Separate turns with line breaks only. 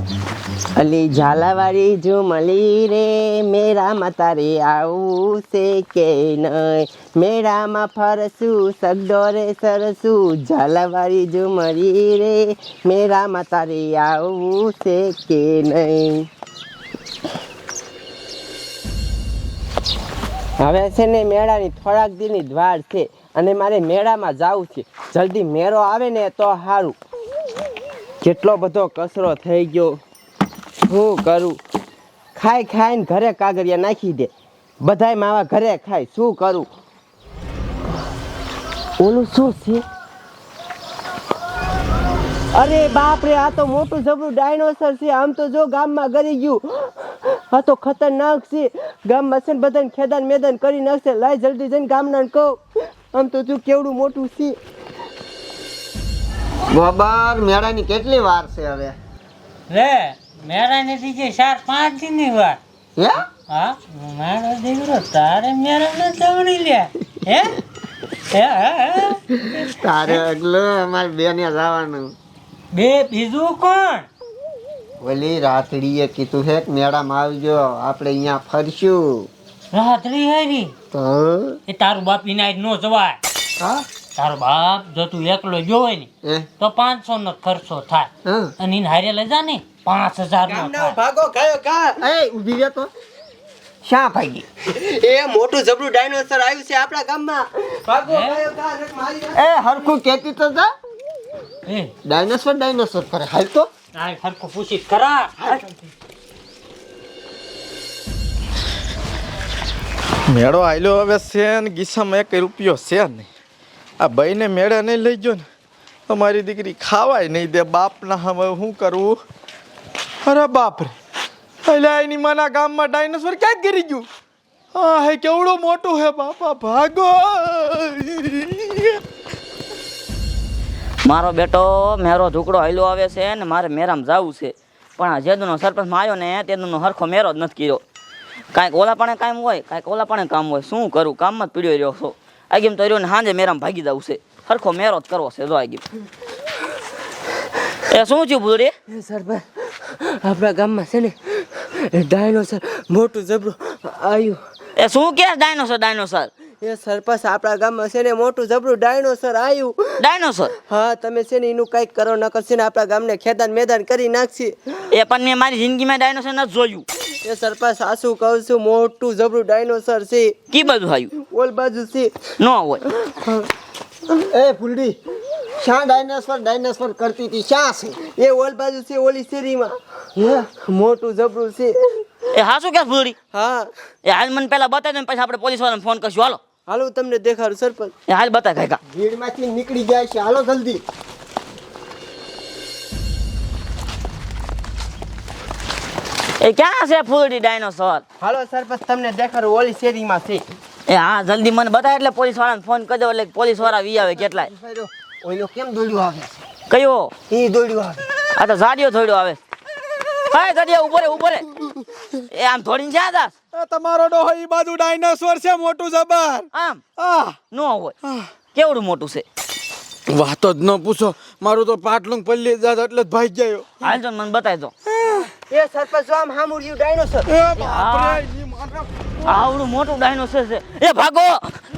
અલી ઝાલાવાળી ઝુમલી રે મેળામાં તારે આવું છે કે નહીં મેળામાં ફરશું સગડો રે સરસું ઝાલાવાળી ઝુમલી રે મેળામાં તારે આવું છે કે નહીં. હવે છે ને મેળાની થોડાક દીની જ વાર છે અને મારે મેળામાં જવું છે. જલ્દી મેળો આવે ને તો સારું. કેટલો બધો કચરો થઈ ગયો. શું કરું? ખાઈને ઘરે કાગળિયા નાખી દે. બધાય માવા ઘરે ખાય. શું કરું? ઓલું શું છે? અરે બાપ રે, આ તો મોટું જબરું ડાયનોસર છે. આમ તો જો ગામમાં ગરી ગયું. આ તો ખતરનાક છે. ગામમાં છે ને બધાને ખેદાન મેદાન કરી નાખશે. લાય જલ્દી જઈને ગામના કહું. આમ તો જો કેવડું મોટું છે.
ગોબર મેળાની કેટલી વાર છે હવે?
લે મેળાની દીજે 4-5 દિનની વાર.
હે?
હા મારો દીકરો તારે મેળા ન જવણી લે. હે
તારે અગલો અમારે બેને જવાનું.
બે બીજું કોણ?
ઓલી રાતડીએ કીધું છે કે મેળામાં આવજો, આપણે અહીંયા ફરશું.
રાત્રી હારી
તો
એ તારું બાપ વિના નો જવાય.
હા
તારો બાપ જો તું એકલો ગયો હોય ને તો 500 નો ખર્ચો થાય અને એને હારે લઈ જા ને 5000 નો થાય.
ભાગો ગયો કા.
એ ઊભી રહે તો. શા ભાગી?
એ મોટું જબરું ડાયનોસર આવ્યું છે આપણા ગામમાં. ભાગો ગયો કા.
એ હરખું કેતી તો જા.
એ
ડાયનોસર કરે. હાલ તો
આ હરખું પૂછી ખરા.
મેળો આયલો હવે છે ને ગીસામાં 1 રૂપિયો છે નહીં. આ ભાઈને મેળે નહીં લઈ ગયો ને તો મારી દીકરી ખાવાય નહીં દે. બાપના હવે શું કરવું? અરે બાપ રે, એટલે એની માના ગામમાં ડાયનોસોર ક્યાંક ગરી ગયું. હા હે કેવડું મોટું હે બાપા, ભાગો.
મારો બેટો મેરો ઢુકડો હાલ્યો આવે છે ને મારે મેરામાં જવું છે, પણ આ જેદુનો સરપંચમાં આવ્યો ને તેનો હરખો મેરો જ નથી કર્યો. કાંઈક ઓલા પણ કામ હોય, કાંઈક ઓલા પણ કામ હોય. શું કરું? કામમાં જ પીડ્યો રહ્યો છો. આગેમ તો રહ્યો ને સાંજે મેરામાં ભાગી જવું છે. હરખો મેરો જ કરવો છે. જો આગેમ એ શું થયું ભૂરી?
સરપંચ આપણા ગામમાં છે ને ડાયનોસર મોટું જબરું આવ્યું.
એ શું કે ડાયનોસર?
એ સરપંચ આપણા ગામમાં છે ને મોટું જબરું ડાયનોસર આવ્યું.
ડાયનોસર?
હા તમે છે ને એનું કંઈક કરો, નકર છે ને આપણા ગામને ખેદાન મેદાન કરી નાખશે.
એ પણ મેં મારી જિંદગીમાં ડાયનોસર નથી જોયું.
એ સરપંચ સાસુ કહું છું, મોટું જબરું ડાયનોસર છે.
કી બાજુ આવ્યું?
ઓલ બાજુ છે.
ન હોય.
એ ફૂલડી, શા ડાયનોસર કરતી હતી? શા છે?
એ ઓલ બાજુ છે, ઓલી શેરીમાં. મોટું જબરું છે.
એ હા શું કે ભૂરી?
હા
એ હાલ મને પેલા બતાવી દો, પછી આપણે પોલીસ વાળાને ફોન કરશું. હાલો
હાલો તમને દેખાડું સરપંચ.
એ હાલ બતાય કાકા.
ભીડમાંથી નીકળી જાય છે. હાલો જલ્દી.
એ ક્યાં છે ફૂલડી ડાયનોસર?
હાલો સરપંચ તમને દેખાડું, ઓલી શેરીમાં છે.
એ હા જલ્દી મને બતાય એટલે પોલીસ વાળાને ફોન કરજો, એટલે પોલીસ વાળા વી આવે. કેટલાય?
ઓલો કેમ દોડ્યો આવે?
કયો?
એ દોડ્યો આવે.
આ તો ઝાડિયો થોડ્યો આવે. હા ઝાડિયો ઉપર રે. એ આમ થોડીને જ્યાં જાસ?
તમારો ડોહો ઈ બાજુ ડાયનોસોર છે મોટું જબર.
આમ
આહ
ન હોય. કેવડું મોટું છે?
વાતો જ ન પૂછો, મારું તો પાટલું પલ્લી જાત એટલે જ ભાઈ ગયો.
હાલ તો મને બતાવી દો.
એ સરપંચ જો આમ હામુડ્યું ડાયનોસર.
એ બાપ રે, ઈ મારા
આવડું મોટું ડાયનોસર છે. એ ભાગો